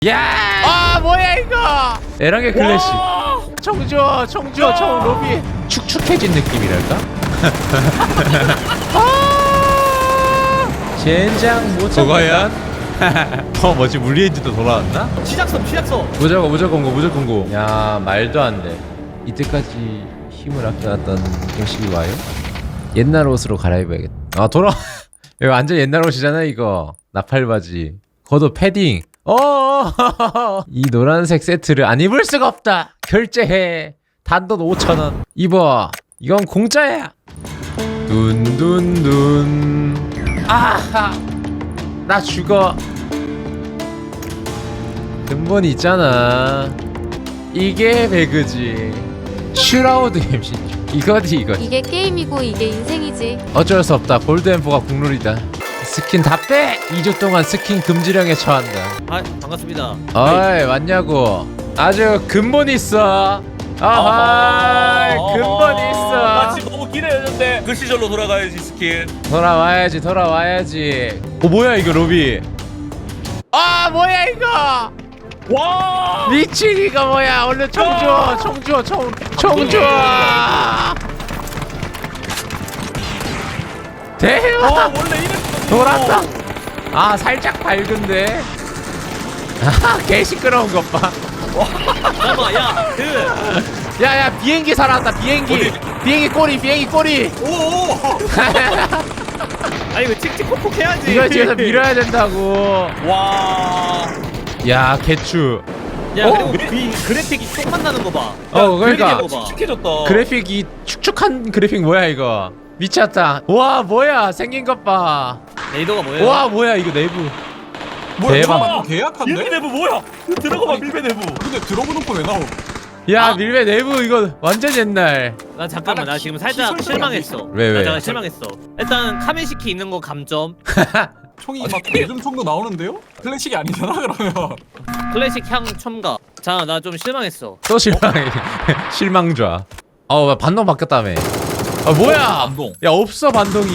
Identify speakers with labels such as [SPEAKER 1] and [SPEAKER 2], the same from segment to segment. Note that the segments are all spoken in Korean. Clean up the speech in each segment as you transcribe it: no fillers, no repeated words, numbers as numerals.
[SPEAKER 1] 야!
[SPEAKER 2] 아 뭐야 이거?
[SPEAKER 1] 에랑의 클래식.
[SPEAKER 2] 청주어 청 로비.
[SPEAKER 1] 축축해진 느낌이랄까? 젠장 못
[SPEAKER 2] 그거야?
[SPEAKER 1] 뭐지 물리엔진도 돌아왔나?
[SPEAKER 2] 시작섬.
[SPEAKER 1] 무조건 고. 야 말도 안 돼. 이때까지 힘을 아껴놨던 경식이 와요? 옛날 옷으로 갈아입어야겠다. 아 돌아. 이거 완전 옛날 옷이잖아 이거. 나팔바지. 겉옷 패딩. 이 노란색 세트를 안 입을 수가 없다. 결제해. 단돈 5,000원. 입어. 이건 공짜야. 둔둔둔. 아하. 나 죽어. 근본 있잖아. 이게 배그지. 슈라우드 MC. 이거지.
[SPEAKER 3] 이게 게임이고 이게 인생이지.
[SPEAKER 1] 어쩔 수 없다. 골드앰프가 국룰이다. 스킨 다 빼! 2주 동안 스킨 금지령에 처한다.
[SPEAKER 2] 아 반갑습니다.
[SPEAKER 1] 어이 왔냐고. 아주 근본 있어. 아하 근본
[SPEAKER 4] 나
[SPEAKER 1] 있어.
[SPEAKER 4] 지금 너무 기대했는데 그 시절로 돌아가야지 스킨.
[SPEAKER 1] 돌아와야지. 뭐야 이거 로비.
[SPEAKER 2] 아 뭐야 이거?
[SPEAKER 4] 와!
[SPEAKER 1] 미친 이거 뭐야. 얼른 청주어. 대박.
[SPEAKER 4] 원래 이랬어.
[SPEAKER 1] 돌았다. 아 살짝 밝은데. 개 시끄러운 것 봐.
[SPEAKER 2] 잠깐만
[SPEAKER 1] 야야 비행기 살아났다. 비행기 꼬리.
[SPEAKER 4] 오!
[SPEAKER 2] 아 이거 칙칙콕콕 해야지.
[SPEAKER 1] 이거 뒤에서 밀어야 된다고.
[SPEAKER 4] 와!
[SPEAKER 1] 야 개추.
[SPEAKER 2] 야 그리고 그래픽이 쏙만 나는 거 봐.
[SPEAKER 1] 그러니까
[SPEAKER 2] 그래픽 봐봐.
[SPEAKER 4] 축축해졌다.
[SPEAKER 1] 그래픽이 축축한 그래픽 뭐야 이거. 미쳤다. 와 뭐야 생긴 것 봐.
[SPEAKER 2] 레이더가 뭐예요?
[SPEAKER 1] 와 뭐야 이거 내부.
[SPEAKER 4] 뭐야,
[SPEAKER 1] 대박.
[SPEAKER 4] 잠깐만, 계약한데? 밀배 내부 뭐야? 들어가봐 밀배 내부. 근데 들어보는 거 왜 나오?
[SPEAKER 1] 야 밀배 내부 이거 완전 옛날.
[SPEAKER 2] 나 잠깐만 나 지금 살짝 실망했어.
[SPEAKER 1] 왜?
[SPEAKER 2] 나 잠깐 실망했어. 일단 카메시키 있는 거 감점.
[SPEAKER 5] 총이 막 요즘 총도 나오는데요? 클래식이 아니잖아 그러면.
[SPEAKER 2] 클래식 향 첨가. 자 나 좀 실망했어.
[SPEAKER 1] 또 실망해. 실망좌. 반동 바뀌었다며. 뭐야?
[SPEAKER 4] 반동.
[SPEAKER 1] 야 없어 반동이.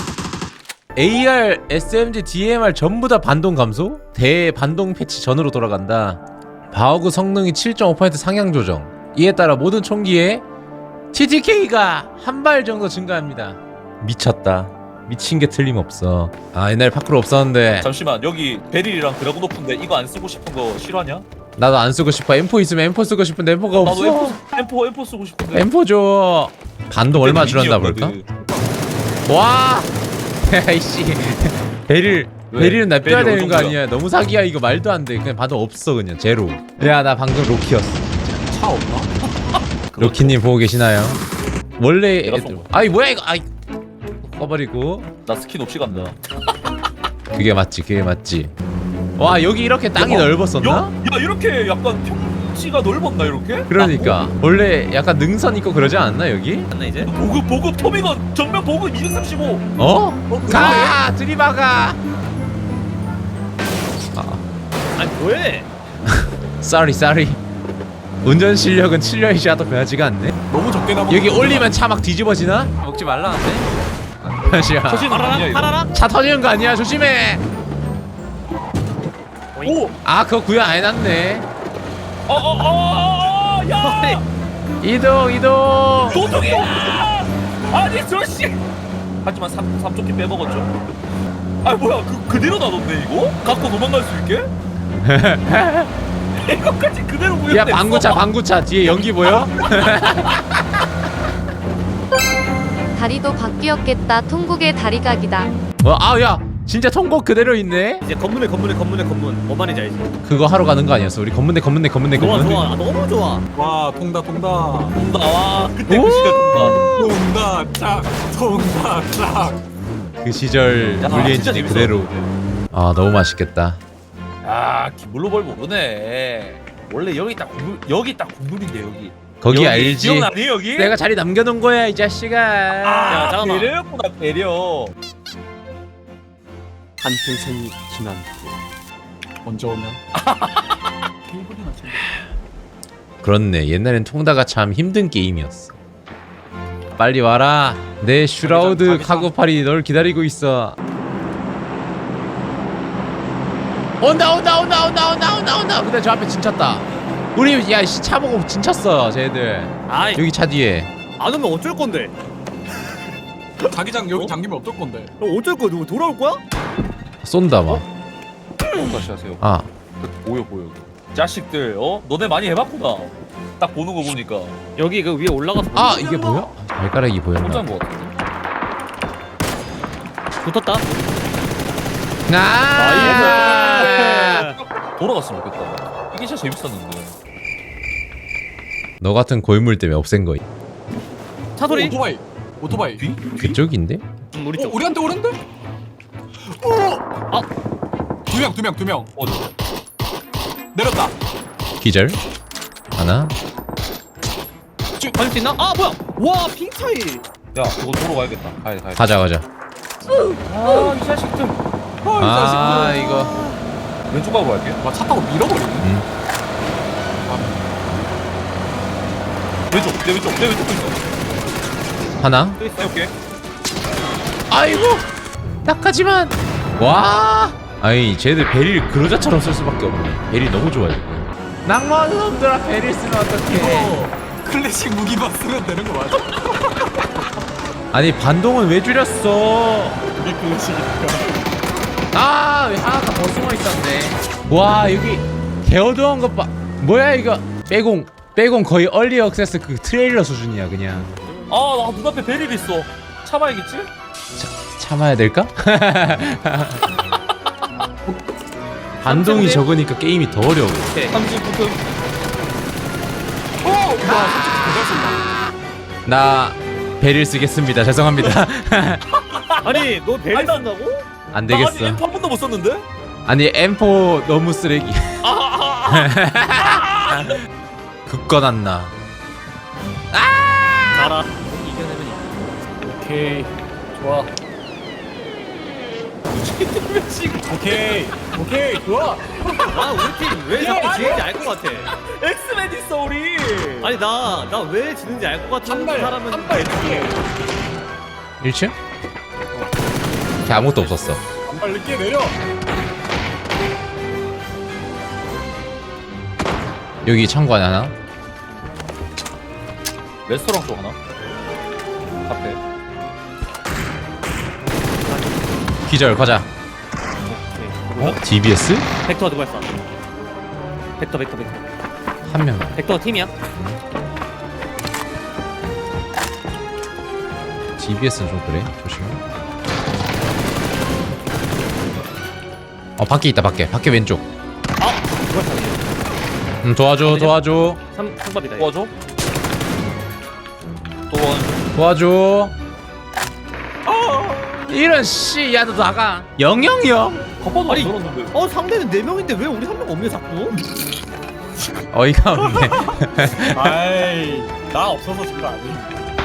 [SPEAKER 1] AR, SMG, DMR 전부 다 반동 감소? 대반동 패치 전으로 돌아간다. 바우그 성능이 7.5% 상향 조정. 이에 따라 모든 총기에 TTK가 한 발 정도 증가합니다. 미쳤다. 미친 게 틀림없어. 옛날에 파크로 없었는데
[SPEAKER 4] 잠시만 여기 베릴이랑 드래곤 오픈데 이거 안 쓰고 싶은 거 싫어하냐?
[SPEAKER 1] 나도 안 쓰고 싶어. M4 있으면 M4 쓰고 싶은데 M4가 없어.
[SPEAKER 4] 나도 M4 쓰고 싶은데.
[SPEAKER 1] M4 줘. 반동 얼마 줄었나 볼까? 와! 야이씨. 베릴은 납둬야 되는 거 아니야. 너무 사기야 이거. 말도 안 돼. 그냥 반동 없어. 그냥 제로. 야 나 방금 로키였어.
[SPEAKER 5] 차 없나?
[SPEAKER 1] 로키님 보고 계시나요? 원래
[SPEAKER 4] 내가 쏜 거야.
[SPEAKER 1] 아이 뭐야 이거. 꺼버리고.
[SPEAKER 4] 나 스킨 없이 간다.
[SPEAKER 1] 그게 맞지. 와 여기 이렇게 땅이 넓었었나?
[SPEAKER 4] 야 이렇게 약간 평지가 넓었나 이렇게?
[SPEAKER 1] 그러니까 원래 약간 능선 있고 그러지 않았나 여기?
[SPEAKER 2] 맞나 이제?
[SPEAKER 4] 보급 토미건 정면 보급 235.
[SPEAKER 1] 가! 들이박아!
[SPEAKER 2] 아니 뭐해?
[SPEAKER 1] Sorry. 운전 실력은 7년이 지나도 변하지가 않네.
[SPEAKER 5] 너무 적게 나먹.
[SPEAKER 1] 여기 올리면 차 막 뒤집어지나? 먹지 말라는데? 다시야.
[SPEAKER 4] 터지는 거 아니야 이거?
[SPEAKER 2] 파라라?
[SPEAKER 1] 차 터지는 거 아니야? 조심해.
[SPEAKER 4] 오!
[SPEAKER 1] 그거 구현 안 해놨네.
[SPEAKER 4] 야!
[SPEAKER 1] 이동.
[SPEAKER 4] 도둑이야! 아니 저씨! 하지만 삼쪽기 빼먹었죠? 뭐야 그대로 놔뒀네 이거? 갖고 도망갈 수 있게? 이거까지 그대로 구현됐어.
[SPEAKER 1] 야 방구차 뒤에 연기 보여?
[SPEAKER 3] 다리도 바뀌었겠다. 통곡의 다리각이다.
[SPEAKER 1] 야 진짜 통곡 그대로 있네.
[SPEAKER 2] 이제 건물에 건문. 뭔 말인지 알지?
[SPEAKER 1] 그거 하러 가는 거 아니었어? 우리 건문대.
[SPEAKER 2] 좋아. 너무 좋아.
[SPEAKER 5] 와 통다.
[SPEAKER 4] 나와 그때 그 시절
[SPEAKER 5] 통다 짝.
[SPEAKER 1] 그 시절
[SPEAKER 4] 야,
[SPEAKER 1] 물리
[SPEAKER 4] 진짜
[SPEAKER 1] 엔진이
[SPEAKER 4] 재밌어.
[SPEAKER 1] 그대로. 너무 맛있겠다.
[SPEAKER 4] 김물로벌 모르네. 원래 여기 딱 국물인데 여기.
[SPEAKER 1] 거기 알지?
[SPEAKER 4] 기억나니 여기?
[SPEAKER 1] 내가 자리 남겨놓은 거야 이 자식아.
[SPEAKER 2] 야, 잠깐만.
[SPEAKER 4] 배려였구나 배려.
[SPEAKER 6] 한평생이 지난
[SPEAKER 5] 언제 오면?
[SPEAKER 1] 그렇네. 옛날엔 통다가 참 힘든 게임이었어. 빨리 와라. 내 슈라우드 카고팔이 널 기다리고 있어. 온다. 근데 저 앞에 진쳤다. 우리 차 보고 진쳤어 쟤들.
[SPEAKER 2] 아이
[SPEAKER 1] 여기 차 뒤에.
[SPEAKER 2] 안 오면 어쩔 건데?
[SPEAKER 5] 자기장 여기 잠기면 어떨 건데?
[SPEAKER 2] 그럼 어쩔 거야? 누구 돌아올 거야?
[SPEAKER 1] 쏜다 막.
[SPEAKER 4] 다시 하세요.
[SPEAKER 1] 아
[SPEAKER 4] 보여. 자식들, 너네 많이 해봤구나. 딱 보는 거 보니까
[SPEAKER 2] 여기 그 위에 올라가서
[SPEAKER 1] 이게 뭐야? 발가락이 보였나?
[SPEAKER 4] 혼자인 거 같은데.
[SPEAKER 2] 붙었다.
[SPEAKER 1] 아!
[SPEAKER 4] 돌아갔으면 좋겠다. 이게 진짜 재밌었는데.
[SPEAKER 1] 너 같은 고인물 때문에 없앤 거.
[SPEAKER 2] 차 소리.
[SPEAKER 5] 오토바이.
[SPEAKER 4] 뒤?
[SPEAKER 1] 그쪽인데?
[SPEAKER 2] 우리 쪽.
[SPEAKER 5] 우리한테 오는데?
[SPEAKER 2] 아.
[SPEAKER 5] 두 명.
[SPEAKER 4] 어디?
[SPEAKER 5] 내렸다.
[SPEAKER 1] 기절. 하나.
[SPEAKER 2] 가질 수 있나? 아 뭐야? 와 핑 차이.
[SPEAKER 4] 야, 그거 도로 가야겠다. 가야 돼.
[SPEAKER 1] 가자.
[SPEAKER 4] 이 자식들.
[SPEAKER 1] 이거.
[SPEAKER 4] 왼쪽 가고 갈게.
[SPEAKER 5] 차 타고 밀어버리네.
[SPEAKER 4] 내 왼쪽 또 있어.
[SPEAKER 1] 하나.
[SPEAKER 2] 또 있어.
[SPEAKER 4] 해볼게.
[SPEAKER 1] 아이고. 딱하지만. 와. 아니 쟤들 베릴 그로자처럼 쓸 수밖에 없네. 베릴 너무 좋아 지금. 낭만 놈들아 베릴 쓰면 어떡해.
[SPEAKER 5] 이거 클래식 무기만 쓰면 되는 거 맞아?
[SPEAKER 1] 아니 반동은 왜 줄였어?
[SPEAKER 5] 그게 클래식이니까.
[SPEAKER 1] 왜 하나가 더 숨어 있었네. 와 여기 개어두운 것 봐. 뭐야 이거? 빼공 거의 얼리 액세스 그 트레일러 수준이야 그냥.
[SPEAKER 4] 나 눈앞에 베릴 있어. 참아야겠지?
[SPEAKER 1] 참아야 될까? 반동이 적으니까 게임이 더 어려워.
[SPEAKER 2] 오케이.
[SPEAKER 4] 39분.
[SPEAKER 1] 나 베릴 쓰겠습니다. 죄송합니다.
[SPEAKER 2] 아니 너 배를
[SPEAKER 4] 아니, 나-
[SPEAKER 2] 쓴다고?
[SPEAKER 1] 안
[SPEAKER 4] 나 아직
[SPEAKER 1] 되겠어.
[SPEAKER 4] M 한 번도 못 썼는데?
[SPEAKER 1] 아니 M4 너무 쓰레기. 굳건한나.
[SPEAKER 2] 알아. 이겨내면
[SPEAKER 5] 오케이. 좋아. 오케이. 좋아.
[SPEAKER 2] 아 우리 팀 왜 자꾸 지는지 알 것 같아.
[SPEAKER 4] 엑스맨 있어 우리.
[SPEAKER 2] 아니 나 왜 지는지 알 것 같은 사람은
[SPEAKER 5] 한발
[SPEAKER 1] 1층? 걔 아무것도 없었어.
[SPEAKER 5] 한발 늦게 내려.
[SPEAKER 1] 여기 창고 안에 하나.
[SPEAKER 4] 레스토랑 쪽 하나. 카페.
[SPEAKER 1] 기절 가자. DBS?
[SPEAKER 2] 벡터 누가 했어? 벡터.
[SPEAKER 1] 한 명.
[SPEAKER 2] 벡터 팀이야?
[SPEAKER 1] DBS는 좀 그래. 조심해. 밖에 있다 밖에 왼쪽.
[SPEAKER 2] 누가 했어?
[SPEAKER 1] 도와줘.
[SPEAKER 2] 상밥이다.
[SPEAKER 4] 도와줘. 또
[SPEAKER 1] 도와줘. 이런 씨, 야 너 나가. 000.
[SPEAKER 4] 겉바도
[SPEAKER 2] 아니,
[SPEAKER 4] 안 들었는데.
[SPEAKER 2] 상대는 4명인데 왜 우리 1명 없냐 자꾸?
[SPEAKER 1] 어이가 없네.
[SPEAKER 5] 아이, 나 없어서 진 거 아니.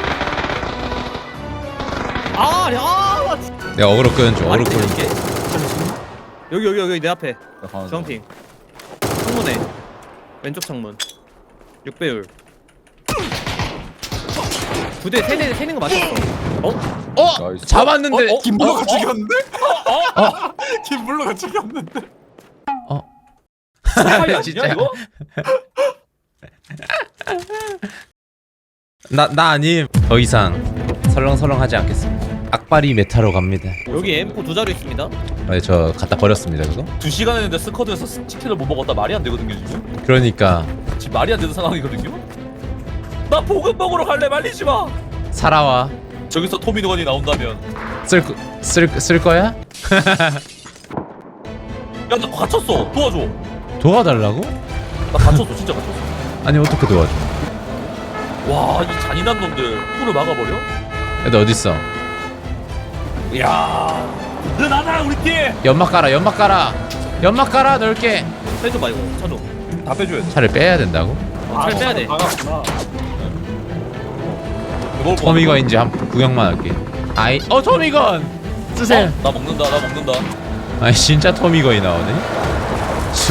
[SPEAKER 2] 나 진짜.
[SPEAKER 1] 내가 어그로 끄는 중. 어그로 끄는 중.
[SPEAKER 2] 이게? 여기 내 앞에.
[SPEAKER 4] 나 가는 중.
[SPEAKER 2] 주황핑. 창문에. 왼쪽 창문. 6배율. 2대 3는 거 맞췄어.
[SPEAKER 4] 나이스.
[SPEAKER 1] 잡았는데.
[SPEAKER 5] 김블러가 죽였는데? 김블러가 죽였는데?
[SPEAKER 4] 아니야,
[SPEAKER 1] 진짜.
[SPEAKER 4] 이거?
[SPEAKER 1] 나 아님. 더 이상 설렁설렁하지 않겠습니다. 악바리 메타로 갑니다.
[SPEAKER 2] 여기 M4 두 자루 있습니다.
[SPEAKER 1] 저 갖다 버렸습니다 그거.
[SPEAKER 4] 2시간 했는데 스쿼드에서 치킨을 못 먹었다 말이 안 되거든요 지금.
[SPEAKER 1] 그러니까
[SPEAKER 4] 지금 말이 안 되는 상황이거든요. 나 볶음 먹으러 갈래 말리지 마.
[SPEAKER 1] 살아와.
[SPEAKER 4] 저기서 토미노건이 나온다면.
[SPEAKER 1] 쓸 거야?
[SPEAKER 4] 야 나 갇혔어. 도와줘.
[SPEAKER 1] 도와달라고?
[SPEAKER 4] 나 갇혔어. 진짜 갇혔어.
[SPEAKER 1] 아니 어떻게 도와줘?
[SPEAKER 4] 와 이 잔인한 놈들 풀을 막아버려?
[SPEAKER 1] 애들 어딨어?
[SPEAKER 4] 이야 든든하다 우리 팀.
[SPEAKER 1] 연막 깔아 넓게.
[SPEAKER 2] 빼줘봐 이거. 쳐줘.
[SPEAKER 4] 다 빼줘야 돼.
[SPEAKER 1] 차를 빼야 된다고?
[SPEAKER 2] 잘 빼야 돼.
[SPEAKER 5] 나갔구나.
[SPEAKER 1] 토미건인지 한 구경만 할게. 토미건 쓰세요.
[SPEAKER 4] 나 먹는다.
[SPEAKER 1] 아니 진짜 토미건이 나오네. 쑥.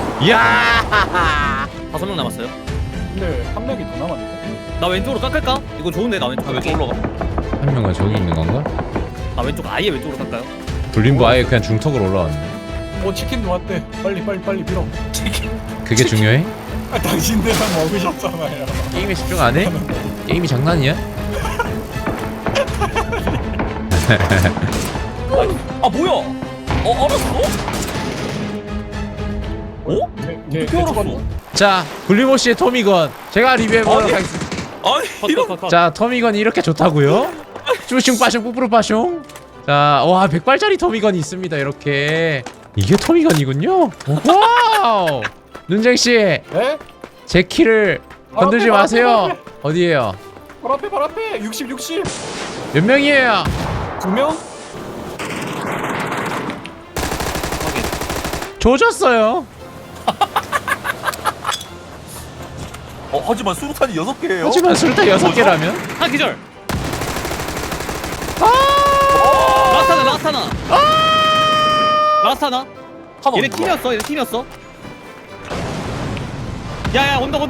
[SPEAKER 1] 야.
[SPEAKER 2] 5명 남았어요.
[SPEAKER 5] 근데 한 명이 더 남았는데?
[SPEAKER 2] 나 왼쪽으로 깎을까? 이거 좋은데 나 왼쪽.
[SPEAKER 4] 아, 왼쪽 올라가.
[SPEAKER 1] 한 명은 저기 있는 건가?
[SPEAKER 2] 나 왼쪽 아예 왼쪽으로 깎아요.
[SPEAKER 1] 불림보 아예 그냥 중턱으로 올라왔네.
[SPEAKER 5] 뭐 치킨도 왔대. 빨리 밀어.
[SPEAKER 1] 그게 중요해?
[SPEAKER 5] 아, 당신들은 먹으셨잖아요.
[SPEAKER 1] 게임에 집중 안 해? 게임이 장난이야?
[SPEAKER 4] 아 뭐야? 알았어? 어?
[SPEAKER 5] 네,
[SPEAKER 4] 어떻게 알았어?
[SPEAKER 1] 자, 굴리모 씨의 토미건 제가 리뷰해보도록
[SPEAKER 4] 아니.
[SPEAKER 1] 하겠습니다.
[SPEAKER 4] 아니 이런
[SPEAKER 2] 컷컷컷.
[SPEAKER 1] 자, 토미건이 이렇게 좋다고요? 쭈슝 빠슝 뿌뿌르 빠슝. 자, 와 100발짜리 토미건이 있습니다. 이렇게 이게 토미건이군요. 와우. 눈쟁 씨,
[SPEAKER 5] 네?
[SPEAKER 1] 제 키를 건들지
[SPEAKER 5] 바로 앞에,
[SPEAKER 1] 마세요.
[SPEAKER 5] 바로 앞에.
[SPEAKER 1] 어디에요?
[SPEAKER 5] 바로 앞에 60
[SPEAKER 1] 몇 명이에요?
[SPEAKER 5] 2명?
[SPEAKER 1] 조졌어요.
[SPEAKER 4] 하지만 수류탄이 6개예요.
[SPEAKER 1] 하지만 술타 6개라면?
[SPEAKER 2] 한 기절.
[SPEAKER 1] 아!
[SPEAKER 2] 라스타나. 라스타나. 얘네 팀이었어. 얘네 팀이었어. 야야 언덕.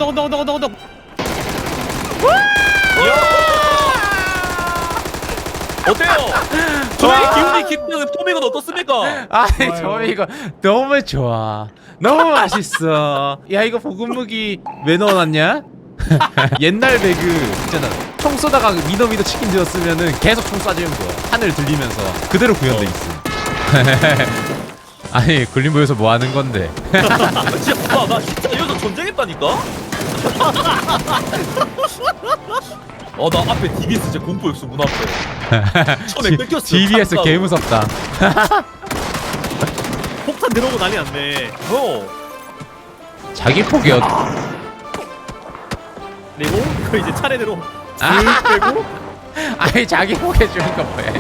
[SPEAKER 4] 어때요? 저의 기운이 깊은 토미건 어떻습니까?
[SPEAKER 1] 아이
[SPEAKER 5] 좋아요.
[SPEAKER 1] 저 이거 너무 좋아. 너무 맛있어. 야 이거 볶음무기 왜 넣어놨냐? 옛날 배그 있잖아. 총 쏘다가 미더미더 치킨 되었으면은 계속 총 쏴주는 거야. 하늘 들리면서 그대로 구현돼 있어. 아니 굴림보에서 뭐 하는 건데?
[SPEAKER 4] 진짜 나 진짜 이러다 전쟁했다니까? 나 앞에 DBS 진짜 공포였어 문 앞에. 처음에 뺏겼어.
[SPEAKER 1] DBS 개 무섭다.
[SPEAKER 2] 폭탄 들어오고 난리 났네.
[SPEAKER 1] 자기 폭이
[SPEAKER 2] 그리고 그 이제 차례대로
[SPEAKER 1] 아,
[SPEAKER 2] 빼고
[SPEAKER 1] 아니 자기 폭 해주는 거 뭐야?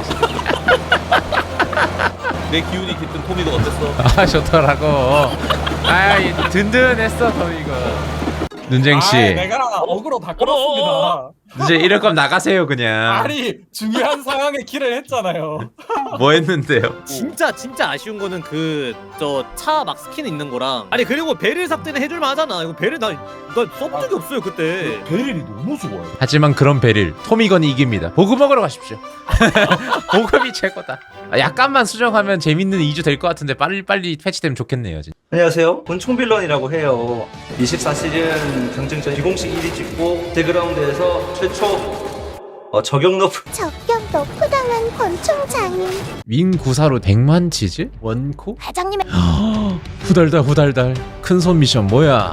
[SPEAKER 4] 내 기운이 깊은 토미건 어땠어?
[SPEAKER 1] 아 좋더라고. 아이 든든했어 더 이거. 눈쟁 씨,
[SPEAKER 5] 내가 어그로 다 끌었습니다.
[SPEAKER 1] 이제 이럴 거면 나가세요 그냥.
[SPEAKER 5] 아니 중요한 상황에 킬을 했잖아요.
[SPEAKER 1] 뭐 했는데요?
[SPEAKER 2] 진짜 아쉬운 거는 그 저 차 막 스킨 있는 거랑 아니 그리고 베릴 삭제는 해줄만 하잖아. 이거 베릴 나 써본 적이 없어요 그때.
[SPEAKER 4] 베릴이 너무 좋아요.
[SPEAKER 1] 하지만 그런 베릴 토미건이 이깁니다. 보급 먹으러 가십시오. 보급이 최고다. 약간만 수정하면 재밌는 2주 될 것 같은데 빨리 패치되면 좋겠네요. 진짜.
[SPEAKER 6] 안녕하세요. 권총빌런이라고 해요. 24시즌 경쟁전 비공식 1위 찍고 대그라운드에서 최초 저격 너프
[SPEAKER 7] 적격 너프당한 권총 장인.
[SPEAKER 1] 윈 구사로 100만 치즈? 원코?
[SPEAKER 7] 과장님의
[SPEAKER 1] 후달달 큰 손 미션 뭐야?